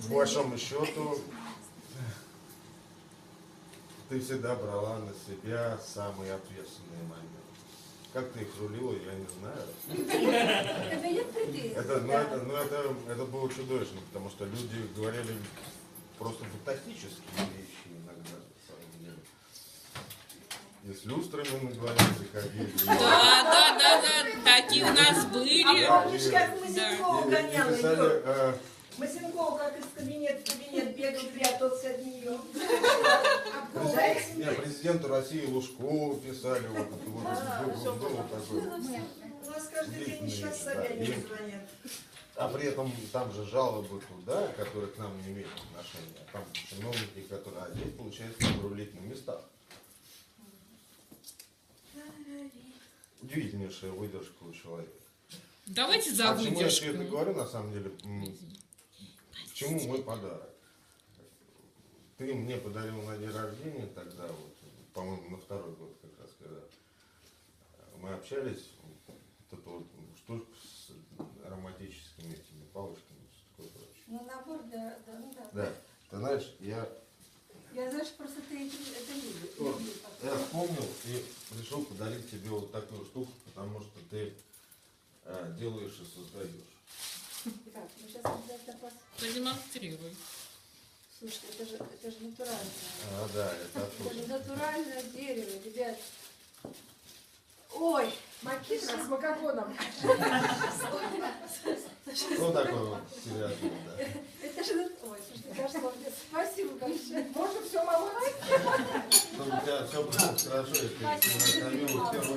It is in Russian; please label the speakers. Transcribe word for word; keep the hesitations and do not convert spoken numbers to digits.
Speaker 1: по большому счету, ты всегда брала на себя самые ответственные моменты. Как ты их рулила, я не знаю.
Speaker 2: Это нет претензий.
Speaker 1: Это, ну, это, ну, это, это было чудовищно, потому что люди говорили просто фантастические вещи иногда, на самом деле. И с люстрами на глазах ходили.
Speaker 3: Да, да, да, да, такие у нас были.
Speaker 4: А помнишь, как Масенкова
Speaker 1: И- и
Speaker 4: гоняла
Speaker 1: писали,
Speaker 4: ее?
Speaker 1: э,
Speaker 4: Масенкова как из кабинета в кабинет бегал, прятался от нее.
Speaker 1: Президент- не, президенту России Лужкову писали, вот это вот,
Speaker 4: А,
Speaker 1: было,
Speaker 4: всё
Speaker 1: было такое.
Speaker 4: У нас каждый день сейчас Собянину звонят.
Speaker 1: А при этом там же жалобы туда, которые к нам не имеют отношения. А там чиновники, которые, а здесь получается надо рулить на местах. Удивительнейшая выдержка у человека.
Speaker 3: Давайте за
Speaker 1: А почему я все это
Speaker 3: выдержку.
Speaker 1: говорю, на самом деле, м, к чему мой подарок? Ты мне подарил на день рождения тогда, вот, по-моему, на второй год как раз, когда мы общались, вот эту вот штуку с ароматическими этими палочками, все такое прочее.
Speaker 2: Ну, набор для... Да, ну да.
Speaker 1: Да, ты знаешь, я,
Speaker 2: Я, знаешь, просто ты это, это любишь.
Speaker 1: вот,
Speaker 2: любишь.
Speaker 1: я вспомнил и решил подарить тебе вот такую штуку, потому что ты э, делаешь и создаешь.
Speaker 2: Так, ну сейчас обязательно пос...
Speaker 3: Продемонстрируй.
Speaker 2: Слушай, это же, это же натуральное.
Speaker 1: А, да, это
Speaker 2: Это же
Speaker 1: оттуда.
Speaker 2: натуральное дерево, ребят. Ой,
Speaker 4: Макитра с макароном.
Speaker 1: Что такое вот серьезно, да?
Speaker 2: это же... нат- Ой, слушай, хорошо. Спасибо большое.
Speaker 4: Можно все молоть?
Speaker 1: Чтобы у тебя все было хорошо, если ты накормил первую